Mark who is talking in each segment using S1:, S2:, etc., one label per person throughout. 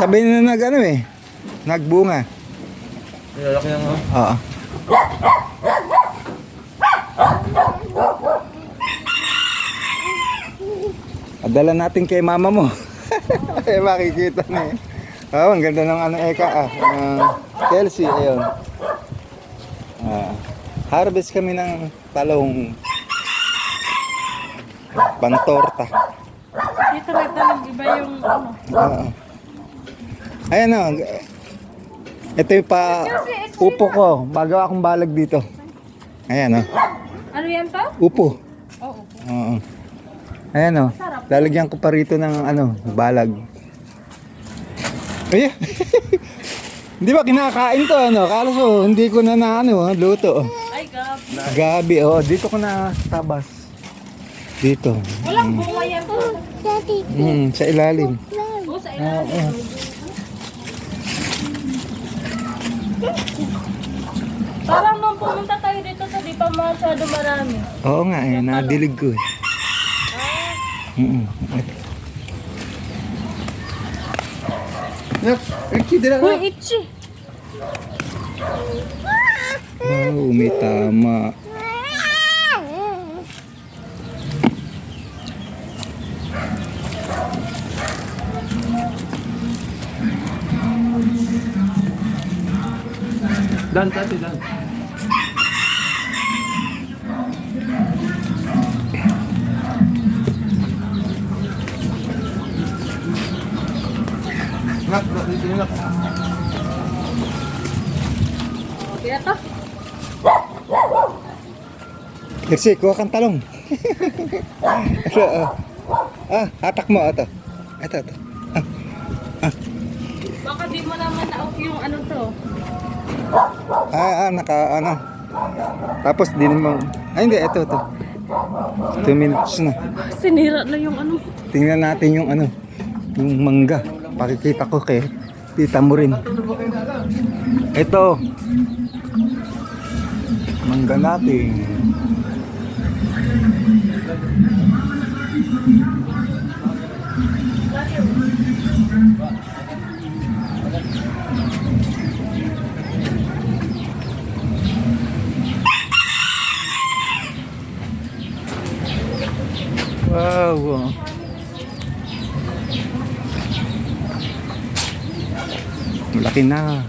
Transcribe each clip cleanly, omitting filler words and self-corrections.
S1: sabay na nagbunga.
S2: Lalaki na nga.
S1: Oo. Adala natin kay mama mo. Eh, makikita na eh. Oh, ang ganda ng Eka Kelsey, ayun. Harvest kami ng talong pantorta.
S3: Dito nag-iba yung
S1: Ayan o. Ito yung upo ko. Bago akong balag dito. Ayan o.
S3: Ano yan to?
S1: Upo.
S3: Oo.
S1: Oo. Ayan o. Lalagyan ko pa rito ng balag. Ayan. Hindi ba kinakain to Kaso hindi ko na luto.
S3: Ay, gabi.
S1: Gabi. Dito ko na tabas. Dito.
S3: Walang bunga yan to.
S1: Sa ilalim.
S3: Oo, sa ilalim. Parang nung pumunta tayo dito sa di pa masyado marami.
S1: Oo nga nadilig ko eh.
S3: Uy, itchy.
S1: Wow, may tama.
S2: Dan, tati, dan. Nak, dito nak.
S3: Kaya to?
S1: Kasi kuha kang talong. Ito, hatak mo ito. Ito.
S3: Baka di mo naman na-off yung to.
S1: Tapos din mo. Hindi, ito. 2 minutes na.
S3: Sinira na yung
S1: Tingnan natin yung yung mangga. Pakikita ko kay tita mo rin. Ito. Mangga natin. Wow. Malaki na.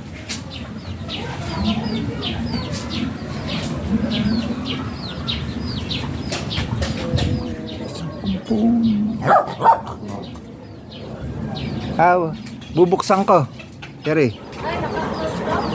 S1: Bubuksan ko. Keri.
S3: Ay,